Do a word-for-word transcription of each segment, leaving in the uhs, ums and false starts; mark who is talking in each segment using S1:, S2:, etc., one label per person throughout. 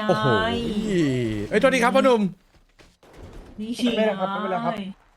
S1: โอ้โหเอ้ยโทษทีครับพ่อหนุ่ม
S2: นี่
S3: ไม่เป็นไรครับไม่เป็นไรครับ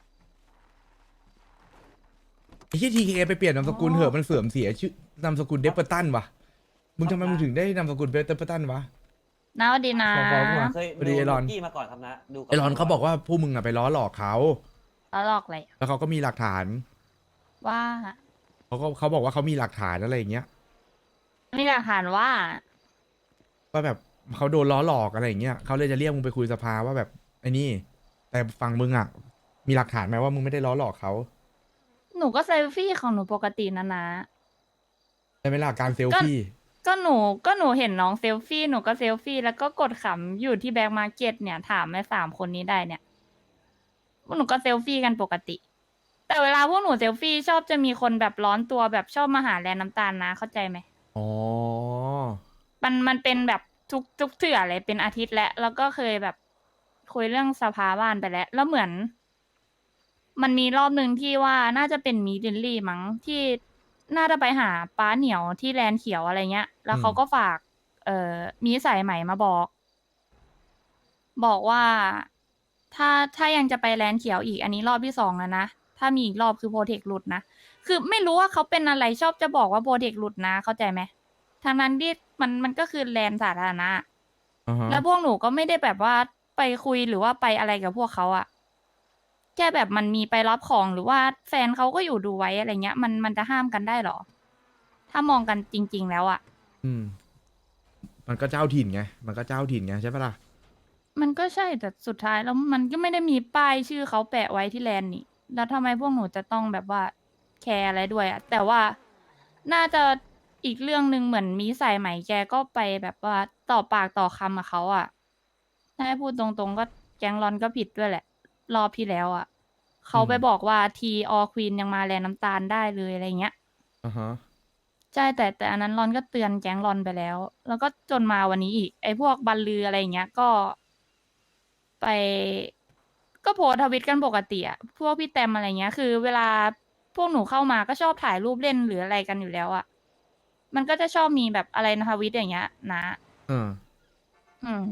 S1: ไอ้ที่ทีเคไปเปลี่ยนนามสกุลเหอะมันเสื่อมเสียชื่อนามสกุลเดปเปอร์ตันวะมึงทำไมมึงถึงได้นามสกุลเดปเปอร์ตันวะ
S4: น้าสวัสดีนะ
S1: ฟ้องๆมา
S5: เคย
S1: พอดี
S5: ดู
S1: ไอรอน
S5: กี้มาก่อนครับนะดูก่
S1: ไอรอนเขาบอกว่าพวกมึงอะไปล้อหลอกเขา
S4: แล้วหลอกอะไร
S1: แล้วเขาก็มีหลักฐาน
S4: ว่า
S1: เขาก็เขาบอกว่าเขามีหลักฐานอะไรอย่างเงี้ย
S4: มีหลักฐานว่า
S1: ว่าแบบเขาโดนล้อหลอกอะไรอย่างเงี้ยเขาเลยจะเรียกมึงไปคุยสภาว่าแบบไอ้นี่แต่ฝั่งมึงอะมีหลักฐานไหมว่ามึงไม่ได้ล้อหลอกเขา
S4: หนูก็เซลฟี่ของหนูปกตินะนะ
S1: ใช่ไหมล่ะการเซลฟี่
S4: ก็หนูก็หนูเห็นน้องเซลฟี่หนูก็เซลฟี่แล้วก็กดขำอยู่ที่แบ็กมาร์เก็ตเนี่ยถามไอ้สามคนนี้ได้เนี่ยพวกหนูก็เซลฟี่กันปกติ แต่เวลาพวกหนูเซลฟี่ชอบจะมีคนแบบร้อนตัวแบบชอบมาหาแลนน้ำตาลนะเข้าใจไหม
S1: อ๋อ
S4: มันมันเป็นแบบทุกทุกเถื่อเลยเป็นอาทิตย์แล้วแล้วก็เคยแบบคุยเรื่องสภาบ้านไปแล้ว แล้วเหมือน มันมีรอบหนึ่งที่ว่าน่าจะเป็นมีดินลี่มั้งที่น่าจะไปหาป้าเหนียวที่แลนเขียวอะไรเงี้ย แล้วเขาก็ฝาก เอ่อมีสายใหม่มาบอก บอกว่าถ้าถ้ายังจะไปแลนเขียวอีกอันนี้รอบที่สองแล้วนะถ้ามีอีกรอบคือโปรเทคหลุดนะคือไม่รู้ว่าเขาเป็นอะไรชอบจะบอกว่าโปรเทคหลุดนะ เข้าใจไหมทางนั้นที่มันมันก็คือแลนสาธารณะ
S1: อ่าฮะ
S4: แล้วพวกหนูก็ไม่ได้แบบว่าไปคุยหรือว่าไปอะไรกับพวกเขาอะแค่แบบมันมีไปรับของหรือว่าแฟนเขาก็อยู่ดูไว้อะไรเงี้ย มันมันจะห้ามกันได้เหรอ ถ้ามองกันจริง ๆ แล้วอะ
S1: อืม มันก็เจ้าถิ่นไง มันก็เจ้าถิ่นไงใช่ปะล่ะ
S4: มันก็ใช่แต่สุดท้ายแล้วมันก็ไม่ได้มีป้ายชื่อเขาแปะไว้ที่แลนด์นี่ แล้วทำไมพวกหนูจะต้องแบบว่าแคร์อะไรด้วยอะแต่ว่าน่าจะอีกเรื่องหนึ่งเหมือนมีสายไหมแกก็ไปแบบว่าต่อปากต่อคำกับเขาอะถ้าให้พูดตรงๆก็แก๊งรอนก็ผิดด้วยแหละ รอบที่แล้วอะเขาไปบอกว่าทีออควีนยังมาแลนน้ำตาลได้เลยอะไรเงี้ย
S1: อ่าฮะ
S4: ใช่แต่แต่อันนั้นรอนก็เตือนแก๊งรอนไปแล้ว แล้วก็จนมาวันนี้อีก ไอ้พวกบัลลืออะไรอย่างเงี้ยก็ ไป ก็โพสต์ทวิตกันปกติอะพวกพี่แตมอะไรเงี้ย คือ เวลาพวกหนูเข้ามาก็ชอบถ่ายรูปเล่นหรืออะไรกันอยู่แล้วอะมันก็จะชอบมีแบบอะไรนะทวิตอย่างเงี้ย นะ
S1: เออ
S4: อืม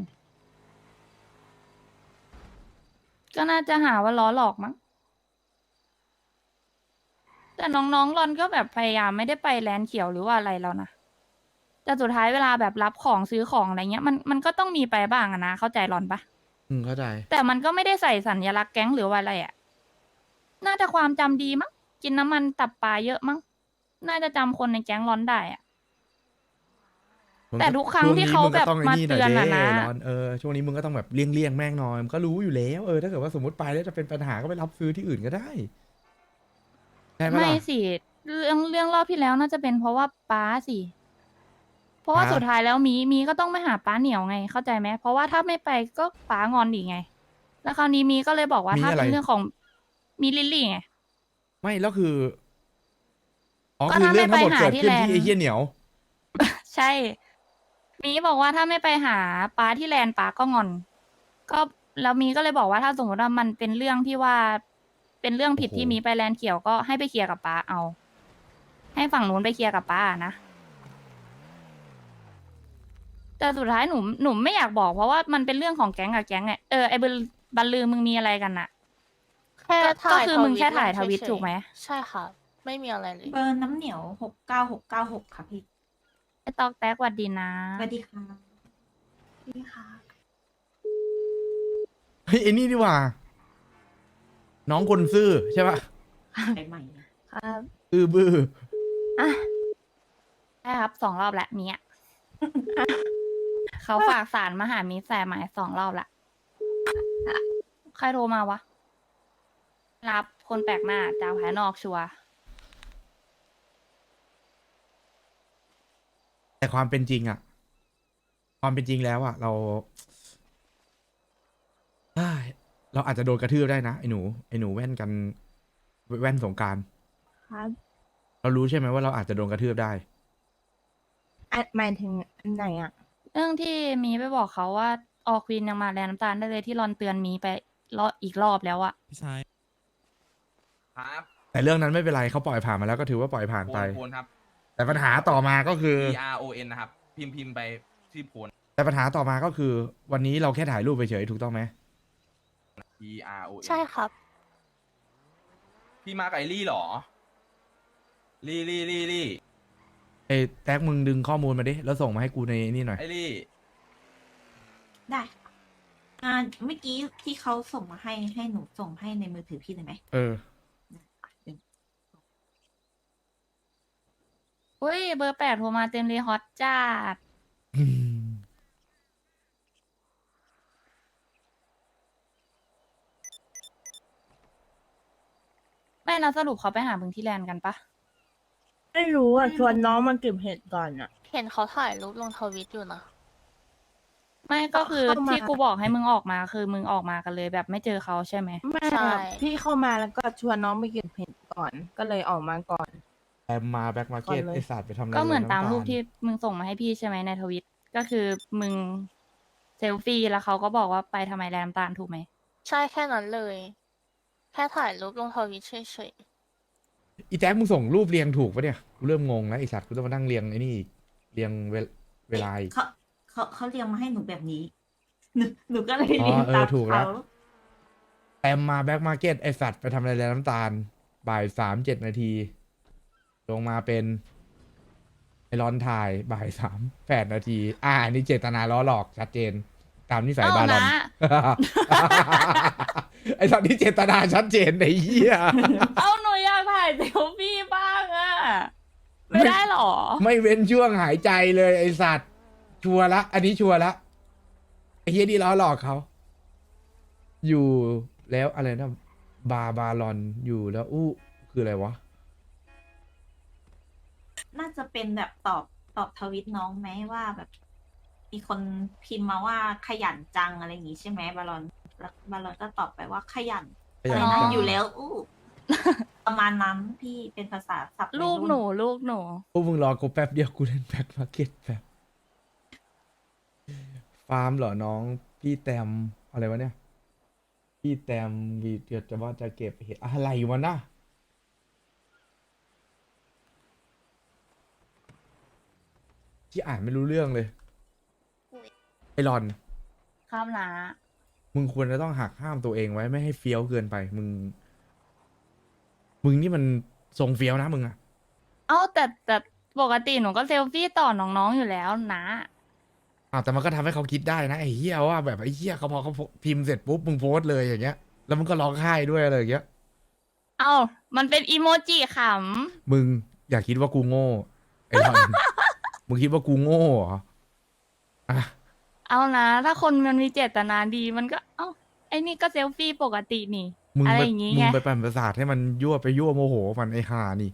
S4: ก็น่าจะหาว่าล้อหลอกมั้ง แต่น้องๆรอนก็แบบพยายามไม่ได้ไปแลนด์เขียวหรือว่าอะไรแล้วนะ แต่สุดท้ายเวลาแบบรับของซื้อของอะไรเงี้ย มันมันก็ต้องมีไปบ้างอะนะ เข้าใจรอนปะ
S1: อืม เข้าใจ
S4: แต่มันก็ไม่ได้ใส่สัญลักษณ์แก๊งหรือว่าอะไรอะน่าจะความจำดีมั้ง กินน้ำมันตับปลาเยอะมั้ง น่าจะจำคนในแก๊งร้อนได้อะ แต่ทุกครั้งที่เขาแบบมาเตือนอะนะ
S1: ร้อนเออช่วงนี้มึงก็ต้องแบบเลี่ยงเลี่ยงๆแม่งหน่อยมันก็รู้อยู่แล้วเออถ้าเกิดว่าสมมติไปแล้วจะเป็นปัญหาก็ไปรับซื้อที่อื่นก็ได้ใช่ไหม
S4: ไม่
S1: ล่ะ
S4: สิ เรื่องเรื่องรอบที่แล้วน่าจะเป็นเพราะว่าป้าสิ เพราะว่า
S1: ป้า
S4: สุดท้ายแล้วมีมีก็ต้องไม่หาป้าเหนียวไง เข้าใจไหม เพราะว่าถ้าไม่ไปก็ป้างอนอีกไง แล้วคราวนี้มีก็เลยบอกว่า
S1: มี
S4: ถ้า
S1: อะไร
S4: เป็นเรื่องของมีลิลลี่ไง
S1: ไม่แล้วคืออ๋อ
S4: ก็
S1: คือ
S4: ถ้า
S1: เรื่องทั้งหมด
S4: ไม่ไปหา
S1: เกิด
S4: ที่
S1: ขึ้น
S4: แลนด์
S1: ที่ไอ้เหี้ยเหนียว
S4: ใช่ มีบอกว่าถ้าไม่ไปหาป้าที่แลนด์ป้าก็งอน ก็แล้วมีก็เลยบอกว่าถ้าสมมติว่ามันเป็นเรื่องที่ว่าเป็นเรื่องผิด
S1: โอ้โห
S4: ที่มีไปแลนด์เขียวก็ให้ไปเคลียร์กับป้าเอา ให้ฝั่งนู้นไปเคลียร์กับป้านะ แต่สุดท้ายหนูหนูไม่อยากบอกเพราะว่ามันเป็นเรื่องของแก๊งกับแก๊งไงเออไอ้บัลบัลลือมึงมีอะไรกันน่ะ
S6: แค่
S4: ก็
S6: ถ่าย
S4: ก็คือมึงแค่ถ่ายทวิต
S6: เฉๆ
S4: ถูกไหม
S6: ใช่ค่ะ ไม่มีอะไรเลย
S2: เบอร์น้ำเหนียวหกเก้าหกเก้าหกค่ะพี่
S4: ไอ้ตอกแตกหวัดดีนะ
S2: สวัสดีค่ะพี่ค่ะ
S1: เฮ้ยไอ้นี่ดีกว่า น้องคนซื่อใช่ปะ
S2: ใหม่ๆนะ
S4: ครับ
S1: ซื่อบื้อ
S4: อ่ะใช่ครับสองรอบละเมีย เขาฝากสารมาหามิสแสหมายสองรอบละใครโทรมาวะ รับคนแปลกหน้าจากภายนอกชัวร์
S1: แต่ความเป็นจริงอะความเป็นจริงแล้วอะเราเอ้ยเราอาจจะโดนกระทืบได้นะไอ้หนูไอ้หนูแว่นกันแว่นสงกราร
S7: ครับ
S1: เรารู้ใช่ไหมว่าเราอาจจะโดนกระทืบได้
S7: อ่ะหมายถึงอันไหนอ่ะ
S4: เรื่องที่มีไปบอกเขาว่าออควีนยังมาแลนน้ำตาลได้เลยที่รอนเตือนมีไปรอบอีกรอบแล้วอะ
S8: พี่ชาย
S5: ครับ
S1: แต่เรื่องนั้นไม่เป็นไรเขาปล่อยผ่านมาแล้วก็ถือว่าปล่อยผ่าน
S5: โพ
S1: ไป
S5: นโพนครับ
S1: แต่ปัญหาต่อมาก็คือ
S5: P R O N นะครับ พิมพ์พิมพ์ไปชื่อโพน
S1: แต่ปัญหาต่อมาก็คือ วันนี้เราแค่ถ่ายรูปไปเฉยถูกต้องไหม
S5: P R O N
S6: ใช่ครับ
S5: พี่มากับไอลี่เหรอ ลี่ลี่ลี่ลี่
S1: ไอ้แท็กมึงดึงข้อมูลมาดิแล้วส่งมาให้กูในนี่หน่อย
S5: ไอลี่
S2: ได้ค่ะอ่าเมื่อกี้ที่เขาส่งมาให้ให้หนูส่งให้ในมือถือพี่เลยไหม
S1: เออ
S4: อุ้ยเบอร์แปดโทรมาเต็มเลยฮอตจัดไม่เราสรุปเขาไปหามึงที่แลนด์กันปะ
S7: ไม่รู้อ่ะชวนน้องมาเก็บเห็ดก่อนอ่ะ
S6: เห็นเขาถ่ายรูปลงทวิตอยู่นะ
S4: ไม่ก็คือ
S7: เข้ามา
S4: ที่กูบอกให้มึงออกมาคือมึงออกมากันเลยแบบไม่เจอเขาใช่ไหม
S7: ไม่
S6: ใช่
S7: พี่เข้ามาแล้วก็ชวนน้องไปเก็บเห็ดก่อน ก็เลยออกมาก่อน
S1: แอมมาแบ็กมาเก็ต
S7: ก่อนเลย
S1: ไอสัตว์ไปทำอะไร
S4: ก็เหมือน
S1: ลย
S4: ตาม
S1: ำ
S4: รูปที่มึงส่งมาให้พี่ใช่ไหมในทวิตก็คือมึงเซลฟี่แล้วเขาก็บอกว่าไปทำไมแลน้ำตาลถูกไหม
S6: ใช่แค่นั้นเลย แค่ถ่ายรูปลงทวิตเฉย
S1: อีแท็กมึงส่งรูปเรียงถูกปะเนี่ยกูเริ่มงงแล้วไอสัตว์กูต้องมานั่งเรียงไอ้นี่อีกเรียงเวลเวลาอีก
S2: เขาเขาเขาเรียงมาให้หนูแบบนี้ หนูหนูก็เลย
S1: อ๋อ
S2: เรียง
S1: เออ
S2: ตาม
S1: ถูกแล้
S2: เขา
S1: ว แอมมาแบ็กมาเก็ตไอสัตว์ไปทำอะไรแลน้ำตาลบ่ายสามเจ็ดนาทีลงมาเป็นไอรอนถ่ายบ่ายสามแปดนาที อ่าอันนี้เจตนาล้อหลอกชัดเจน ตามนิสัย
S4: เอ้า
S1: บาลอน
S4: นะ
S1: ไอสัตว์นี่เจตนาชัดเจนไอ้เหี้ย
S4: เอ้าหนูอยากถ่ายเซลฟี่บ้างอะไม่ได้หรอ
S1: ไม่เว้นช่วงหายใจเลยไอสัตว์ชัวร์ละ อันนี้ชัวร์ละไอเฮียนี่ล้อหลอกเขา อยู่แล้วอะไรนะบาบาลอนอยู่แล้วอู้คืออะไรวะ
S2: น่าจะเป็นแบบตอบตอบทวิตน้องไหมว่าแบบ มีคนพิมพ์มาว่าขยันจังอะไรอย่างงี้ใช่ไหมบาลอนแล้วบาลอนก็ตอบไปว่าขยัน
S1: ขยัน
S2: อะไรนะ
S1: จัง
S2: อยู่แล้วอู้ ประมาณนั้นพี่เป็นภาษาศัพท์วัย
S4: ลูก
S2: รุ่
S4: หนูลูกหนู
S1: พวกมึงรอกูแป๊บเดียวกูเล่นแบ็คมาร์เก็ตแป๊บฟาร์มเหรอน้องพี่แตมอะไรวะเนี่ย พี่แตมวีเดียวจะว่าจะเก็บเห็ดอะไรวะนะที่อ่านไม่รู้เรื่องเลย ไอรอน
S4: ข้ามนะ
S1: มึงควรจะต้องหักห้ามตัวเองไว้ไม่ให้เฟี้ยวเกินไป มึง มึงนี่มันทรงเฟี้ยวนะมึงอะ
S4: เอ้าแต่แต่ปกติหนูก็เซลฟี่ต่อน้องๆอยู่แล้วนะ
S1: อ้าวแต่มันก็ทำให้เขาคิดได้นะไอ้เหี้ยว่าแบบไอ้เหี้ยเขาพอเขาพิมพ์เสร็จปุ๊บมึงโพสต์เลยอย่างเงี้ย แล้วมึงก็ร้องไห้ด้วยอะไรอย่างเงี้ย
S4: เอ้ามันเป็นอีโมจิข
S1: มึงอย่าคิดว่ากูโง่ไอ้รอน มึงคิดว่ากูโง่เหรออ่ะ
S4: ำเอานะ ถ้าคนมันมีเจตนาดีมันก็เอ้าไอ้นี่ก็เซลฟี่ปกตินี่
S1: มึง
S4: อะไร
S1: ไป
S4: อย่างงี้
S1: มึ
S4: ไง
S1: งไปปั่นประสาทให้มันยั่วไปยั่วโมโหมันไอ้ห่านี่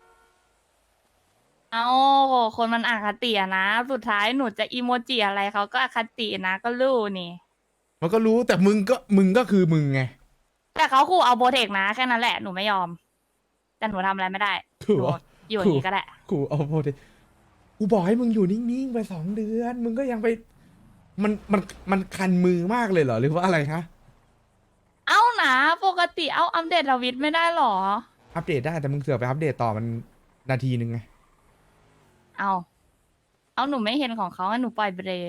S4: เอาคนมันอคติอะนะ สุดท้ายหนูจะอีโมจิอะไรเขาก็อคตินะก็รู้นี่
S1: มันก็รู้แต่มึงก็มึงก็คือมึงไง
S4: แต่เขาขู่เอาโบเทคนะแค่นั้นแหละหนูไม่ยอม แต่หนูทำอะไรไม่ได้
S1: ขู่
S4: หนูอยู่อย่างนี้ก็ได้
S1: กูเอาโพดกูบอกให้มึงอยู่นิ่งๆไปสองเดือน มึงก็ยังไป มันมันมันคันมือมากเลยเหรอหรือว่าอะไรคะ
S4: เอานะปกติเอาอัปเดตทวิตไม่ได้หรอ
S1: อัปเดตได้แต่มึงเสือกไปอัปเดตต่อมันนาทีนึงไง
S4: เอาเอาหนูไม่เห็นของเขางั้นหนูปล่อยไปเลย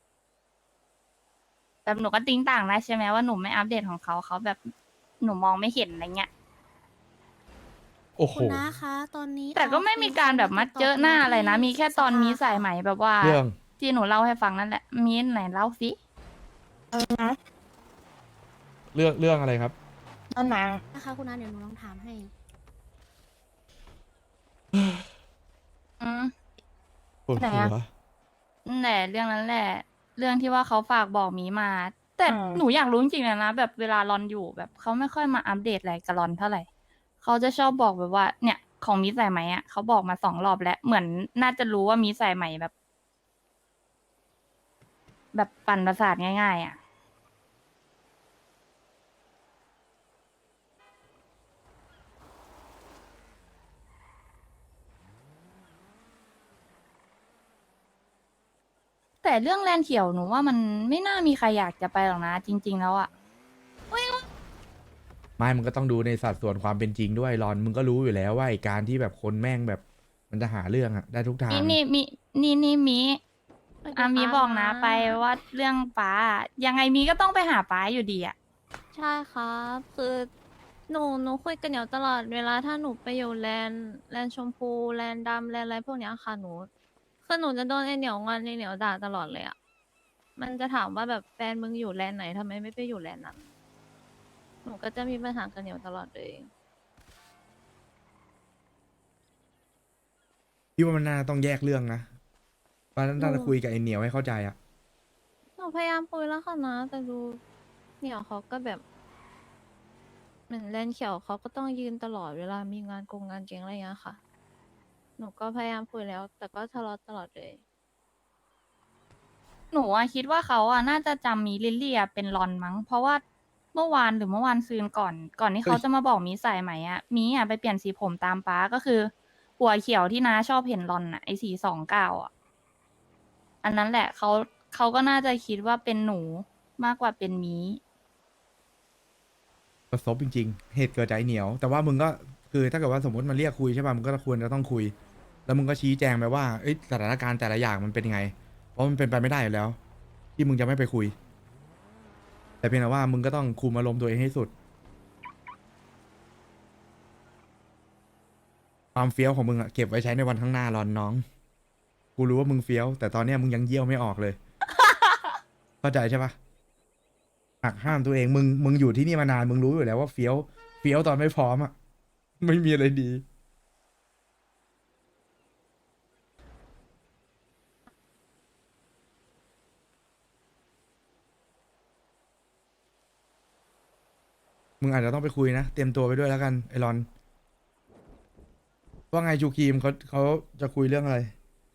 S4: แต่หนูก็ติ้งต่างได้ใช่ไหมว่าหนูไม่อัปเดตของเขาเขาแบบหนูมองไม่เห็นอะไรเงี้ย
S1: โอ้โห
S3: คุณน้าคะ ตอนนี้
S4: แต่ก็ไม่มีการแบบมาเจอหน้าอะไรนะ มีแค่ตอนมีสายไหมแบบว่า
S1: เรื่อง
S4: ที่หนูเล่าให้ฟังนั่นแหละ มีไหนเล่าสิ
S7: เออนะ
S1: เรื่องเรื่องอะไรครับ
S7: ตอนไหน
S3: นะคะคุณน้าเดี๋ยวหนูลองถามให้
S4: อืม
S1: ปวด
S7: ไหน
S1: หั
S7: อะ
S1: ว
S4: นั่นแหละเรื่องนั้นแหละ เรื่องที่ว่าเขาฝากบอกหมีมา แต่
S7: อ่า
S4: หนูอยากรู้จริงๆนะแบบเวลารอนอยู่แบบเขาไม่ค่อยมาอัปเดตอะไรกับรอนเท่าไหร่เขาจะชอบบอกแบบว่า เนี่ย ของมีสายไหมอ่ะเขาบอกมาสองรอบแล้วเหมือนน่าจะรู้ว่ามีสายไหมแบบ แบบปั่นประสาทง่ายๆอ่ะ แต่เรื่องแลนด์เขียวหนูว่ามันไม่น่ามีใครอยากจะไปหรอกนะ จริง ๆ แล้วอ่ะ
S1: ไม่มึงก็ต้องดูในสัดส่วนความเป็นจริงด้วยรอน มึงก็รู้อยู่แล้วว่าไอ้การที่แบบคนแม่งแบบ มันจะหาเรื่องอะได้ทุกทาง
S4: นี่นี่มีนี่นี่มีอ่ะมีบอกนะไปว่าเรื่องป้ายังไงมีก็ต้องไปหาป้าอยู่ดีอ่ะ
S8: ใช่ครับ คือหนูหนูคุยกับเหนียวตลอดเวลาถ้าหนูไปอยู่แลนด์แลนด์ชมพูแลนด์ดำแลนด์อะไรพวกเนี้ยค่ะหนูคือหนูจะโดนไอเหนียวงอนไอเหนียวด่าตลอดเลยอ่ะมันจะถามว่าแบบแฟนมึงอยู่แลนด์ไหนทำไมไม่ไปอยู่แลนด์นั้นหนูก็จะมีปัญหากับเหนียวตลอดเลย
S1: พี่ว่ามันน่าต้องแยกเรื่องนะว่าน่าจะ
S8: อืม
S1: คุยกับไอ้เหนียวให้เข้าใจอะ
S8: หนูพยายามคุยแล้วค่ะนะ แต่ดูเหนียวเขาก็แบบเหมือนแลนด์เขียวเขาก็ต้องยืนตลอดเวลามีงานกงงานเก่งอะไรอย่างเงี้ยค่ะ หนูก็พยายามคุยแล้ว แต่ก็ทะเลาะตลอดเลย
S4: หนูอะคิดว่าเขาอะน่าจะจำมีลิลลี่อะเป็นรอนมั้ง เพราะว่าเมื่อวานหรือเมื่อวานซืนก่อน ก่อนที่เขาจะมาบอกมีใส่ไหมอะมีอะไปเปลี่ยนสีผมตามป้าก็คือ หัวเขียวที่น้าชอบเห็นรอนอะไอสีสองเก้าอะอันนั้นแหละเขาเขาก็น่าจะคิดว่าเป็นหนูมากกว่าเป็นมี
S1: ประสบจริงๆ เหตุเกิดจากไอ้เหนียว แต่ว่ามึงก็คือถ้าเกิดว่าสมมติมันเรียกคุยใช่ป่ะมึงก็ควรจะต้องคุย แล้วมึงก็ชี้แจงไปว่าเอ้ยสถานการณ์แต่ละอย่างมันเป็นยังไง เพราะมันเป็นไปไม่ได้อยู่แล้ว ที่มึงจะไม่ไปคุย แต่เพียงแต่ว่ามึงก็ต้องคุมอารมณ์ตัวเองให้สุด ความเฟี้ยวของมึงอะเก็บไว้ใช้ในวันข้างหน้ารอนน้อง กูรู้ว่ามึงเฟี้ยว แต่ตอนเนี้ยมึงยังเยี่ยวไม่ออกเลย เข้าใจใช่ปะหักห้ามตัวเองมึงมึงอยู่ที่นี่มานานมึงรู้อยู่แล้วว่าเฟี้ยวเฟี้ยวตอนไม่พร้อมอะไม่มีอะไรดี มึงอาจจะต้องไปคุยนะ เตรียมตัวไปด้วยแล้วกัน ไอรอน ว่าไงจูครีมเขาเขาจะคุยเรื่องอะไร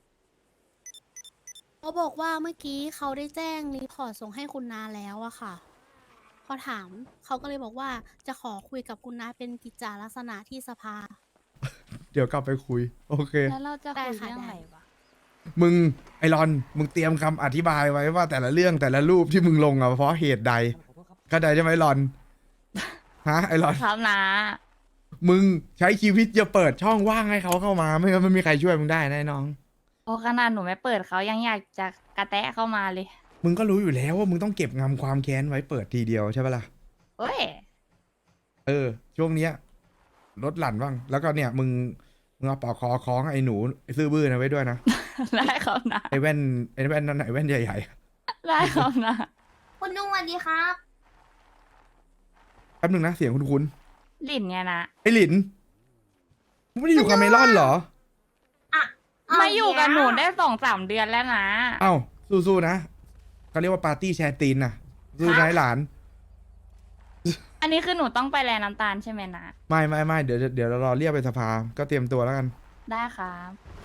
S3: เขาบอกว่าเมื่อกี้เขาได้แจ้งรีพอร์ตส่งให้คุณนาแล้วอะค่ะ พอถามเขาก็เลยบอกว่าจะขอคุยกับคุณนาเป็นกิจจาลักษณะที่สภา
S1: เดี๋ยวกลับไปคุย โอเค
S4: แล้วเราจะ
S3: ได้
S4: คุย
S3: ค่ะ
S4: เรื่อง
S3: ได้
S4: อะไรวะ
S1: มึงไอรอน มึงเตรียมคำอธิบายไว้ว่าแต่ละเรื่องแต่ละรูปที่มึงลงอะเพราะเหตุใดเข้าใจใช่ไหมรอน ฮะไอรอน
S4: ครับนะ
S1: มึงใช้ชีวิตอย่าเปิดช่องว่างให้เขาเข้ามา ไม่งั้นไม่มีใครช่วยมึงได้นะไอ้น้อง
S4: โอ้ขนาดหนูไม่เปิดเขายังอยากจะกระแตะเข้ามาเลย
S1: มึงก็รู้อยู่แล้วว่ามึงต้องเก็บงำความแค้นไว้เปิดทีเดียวใช่ปะล่ะ
S4: เฮ้ย
S1: เออ ช่วงเนี้ยลดหลั่นบ้าง แล้วก็เนี่ย มึงมึงเอาปอกคอคล้องไอ้หนูไอ้ซื่อบื้อนะไว้ด้วยนะ
S4: ได้ครับนะ
S1: ไอ้แว่นไอ้แว่นนั่นน่ะไอ้แว่นใหญ่
S4: ได้ครับนะ
S2: คุณนุ่งสวัสดีครับ
S1: ๆแป๊บนึงนะเสียงคุณคุณ
S4: หลินเนี่ยนะ
S1: ไอ้หลินมึงไม่ได้อยู่กับเมลอนเหรอ
S4: มาอยู่กับหนูได้สองสามเดือนแล้วนะ
S1: เอ้าสู้ๆนะเขาเรียกว่าปาร์ตี้แชร์ตีนนะสู้นายหลาน
S4: อันนี้คือหนูต้องไปแลน้ำตาลใช่ไหมนะ
S1: ไม่ไม่ไม่เดี๋ยวเดี๋ยวเรารอเรียกไปสภาก็เตรียมตัวแล้วกัน
S4: ได้ครับ